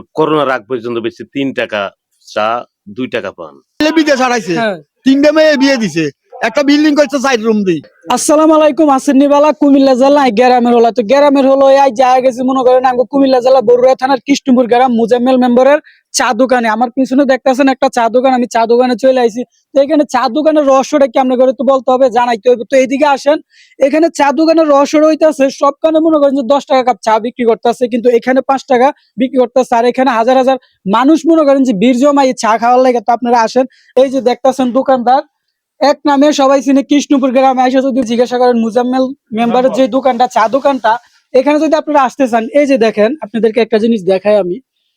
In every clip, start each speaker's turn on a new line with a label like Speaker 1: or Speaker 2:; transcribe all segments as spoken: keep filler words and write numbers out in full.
Speaker 1: করোনার আগ পর্যন্ত বেশি তিন টাকা চা দুই টাকা পান।
Speaker 2: বিদেশ হারাইছে, তিনটা মেয়ে বিয়ে দিছে, একটা বিল্ডিং করছে সাইড রুম দি।
Speaker 3: আসসালামু আলাইকুম। আসেননি বালা কুমিল্লা জেলা গ্রামের হলো তো গ্রামের হলো এই যা গেছি মনে করেন আমি কুমিল্লা জেলা বরুড়া থানার কৃষ্ণপুর গ্রাম মুজাম্মেল মেম্বারের চা দোকানে। আমার পিছনে দেখতেছেন একটা চা দোকান, আমি চা দোকানে চলে আইছি। তো এখানে চা দোকানের রহস্যটা কি আমরা করে তো বলতে হবে, জানাইতে হবে। তো এইদিকে আসেন, এখানে চা দোকানের রহস্য রইতেছে সবখানে মনে করেন যে দশ টাকা কাপ চা বিক্রি করতেছে, কিন্তু এখানে পাঁচ টাকা বিক্রি করতেছে। আর এখানে হাজার হাজার মানুষ মনে করেন যে বীর জমা এই চা খাওয়ার লাগে। তো আপনারা আসেন, এই যে দেখতেছেন দোকানদার এক নামে সবাই চিনে কৃষ্ণপুর গ্রামে এসে যদি জিজ্ঞাসা করেন মুজাম্মেল মেম্বারের যে দোকানটা চা দোকানটা, এখানে যদি আপনারা আসতে চান, এই যে দেখেন আপনাদেরকে একটা জিনিস দেখাই আমি।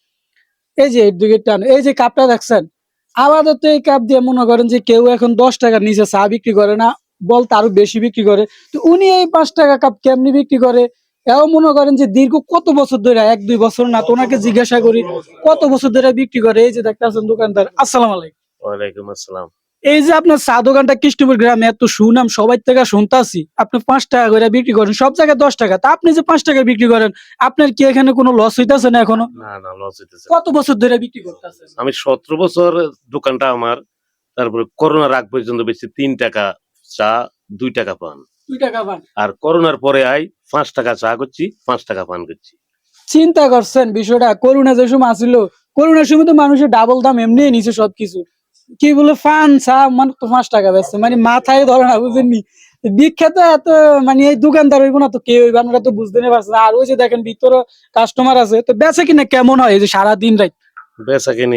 Speaker 3: এই যে এর দিকে টান, এই যে কাপটা দেখছেন, আলাদা তো এই কাপ দিয়ে মনে করেন যে কেউ এখন দশ টাকার নিচে চা বিক্রি করে না, বলতে আরো বেশি বিক্রি করে। তো উনি এই পাঁচ টাকা কাপ কেমনি বিক্রি করে, এও মনে করেন যে দীর্ঘ কত বছর ধরে, এক দুই বছর না, তো ওনাকে জিজ্ঞাসা করি কত বছর ধরে বিক্রি করে। এই যে দেখতেছেন দোকানদার। আসসালামু আলাইকুম।
Speaker 1: ওয়ালাইকুম আসসালাম।
Speaker 3: এই যে আপনার চা দোকানটা কৃষ্ণপুর গ্রামে এত সুনাম, সবাই থেকে শুনতাছি আপনি পাঁচ টাকা করে বিক্রি করেন, সব জায়গায় দশ টাকা। তা আপনি যে পাঁচ টাকা বিক্রি করেন, আপনার কি এখানে কোনো লস হইতাছে না এখনো?
Speaker 1: না না, লস হইতেছে।
Speaker 3: কত বছর ধরে বিক্রি করতেছেন?
Speaker 1: আমি সতেরো বছর দোকানটা আমার। তারপরে করোনার আগ পর্যন্ত বেশি তিন টাকা চা দুই টাকা পান।
Speaker 3: দুই টাকা পান।
Speaker 1: আর করোনার পরে আই পাঁচ টাকা চা করছি, পাঁচ টাকা পান করছি।
Speaker 3: চিন্তা করছেন বিষয়টা? করোনা যে সময় আসিল, করোনার সময় তো মানুষের ডাবল দাম এমনি নিছে সবকিছু। কি বলে ফান চা মানে তো পাঁচ টাকা বেচছে, মানে মাথায় ধরে না, বুঝেননি? বিখ্যাত এত মানে এই দোকানদার হইব না তো কে হইব, আপনারা তো বুঝতে পারছেন। আর ওই যে দেখেন ভিতরে কাস্টমার আছে, তো বেচে কিনা কেমন হয় এই যে সারা দিন রাত?
Speaker 1: বেচা কিনি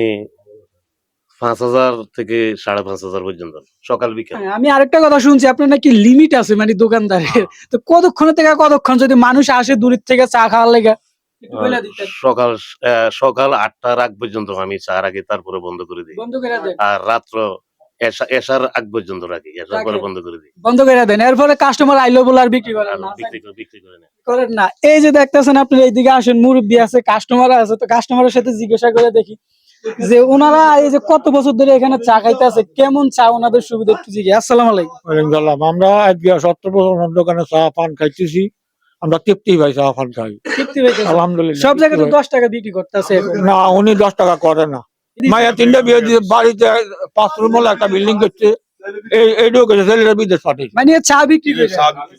Speaker 1: পাঁচ হাজার থেকে সাড়ে পাঁচ হাজার পর্যন্ত সকাল বিকাল।
Speaker 3: হ্যাঁ, আমি আরেকটা কথা শুনছি আপনার নাকি লিমিট আছে মানে দোকানদারের। তো কতক্ষণ থেকে কতক্ষণ যদি মানুষ আসে দূরের থেকে চা খাওয়ার লেগে? একটু বলে দিতেন।
Speaker 1: সকাল আহ, সকাল আটটার আগ পর্যন্ত আমি চার আগে, তারপরে বন্ধ করে দিই।
Speaker 3: বন্ধ করে দেন।
Speaker 1: আর রাত্র এশা- এশার আগ পর্যন্ত রাখি, এশার পরে
Speaker 3: রাখেন।
Speaker 1: বন্ধ করে দিই।
Speaker 3: বন্ধ করে দেন, এরপরে কাস্টমার আইলো বলে আর বিক্রি করেন
Speaker 1: আর
Speaker 3: না?
Speaker 1: বিক্রি করে বিক্রি করে না।
Speaker 3: করেন না। এই যে দেখতেছেন আপনি এইদিকে আসেন, মুরব্বী আছে, কাস্টমার আছে, তো কাস্টমারের সাথে জিজ্ঞাসা করে দেখি যে ওনারা এই যে কত বছর ধরে এখানে চা খাইতেছে, কেমন চা ওনাদের সুবিধা একটু জিজ্ঞেস। আসসালামু আলাইকুম।
Speaker 2: ওয়ালাইকুম সালাম। আমরা আজকে সত্তর বছর ওনার দোকানে চা পান খাইতেছি, আমরা তৃপ্তি ভাই চা পান খাই
Speaker 3: তৃপ্তি পাইতেছেন?
Speaker 2: আলহামদুলিল্লাহ।
Speaker 3: সব জায়গায় তো দশ টাকা বিক্রি করতেছে এখন।
Speaker 2: না, উনি দশ টাকা করে না। মায়ের তিনটা বিয়ে দিয়ে বাড়িতে পাঁচ রুম হলো একটা বিল্ডিং করছে, এই এইটাও করছে, ছেলেরা বিদেশ পাঠিয়েছে।
Speaker 3: মানে চা বিক্রি করে।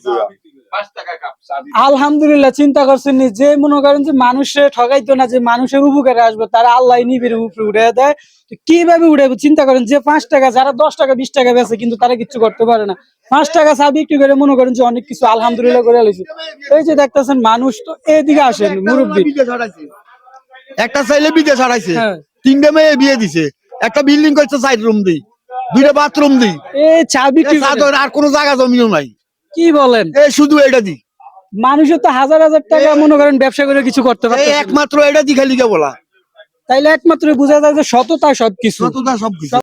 Speaker 3: আলহামদুলিল্লাহ। চিন্তা করছেন নি, যে মনে করেন যে মানুষে ঠগাইতো না, যে মানুষের উপকারে আসবে, তারা আল্লাহ নিবিড় উপরে উঠে দেয়। তো কিভাবে উঠাবে চিন্তা করেন, যে পাঁচ টাকা যারা দশ টাকা বিশ টাকা বেচে, কিন্তু তারা কিছু করতে পারে না। পাঁচ টাকা চা বিক্রি করে মনে করেন যে অনেক কিছু আলহামদুলিল্লাহ করে আলাইছে। এই যে দেখতেছেন মানুষ, তো এদিকে আসেন মুরব্বী।
Speaker 2: একটা ছেলে বিদেশ হারাইছে,
Speaker 3: হ্যাঁ।
Speaker 2: তিনটা মেয়ে বিয়ে দিছে, একটা বিল্ডিং করছে সাইড রুম দি, দুইটা বাথরুম দি।
Speaker 3: এই চা বিক্রি
Speaker 2: চা
Speaker 3: করে।
Speaker 2: দোকান আর কোনো জায়গা জমিও নাই,
Speaker 3: কি বলেন?
Speaker 2: এই শুধু এটা দি।
Speaker 3: মানুষের তো হাজার হাজার টাকা মনে করেন ব্যবসা করে কিছু করতে
Speaker 2: এই
Speaker 3: পারতেছে না।
Speaker 2: একমাত্র এটা দি খালি কে বলা,
Speaker 3: তাইলে একমাত্র বোঝা যায় যে সততা সবকিছু।
Speaker 2: সততা সবকিছু।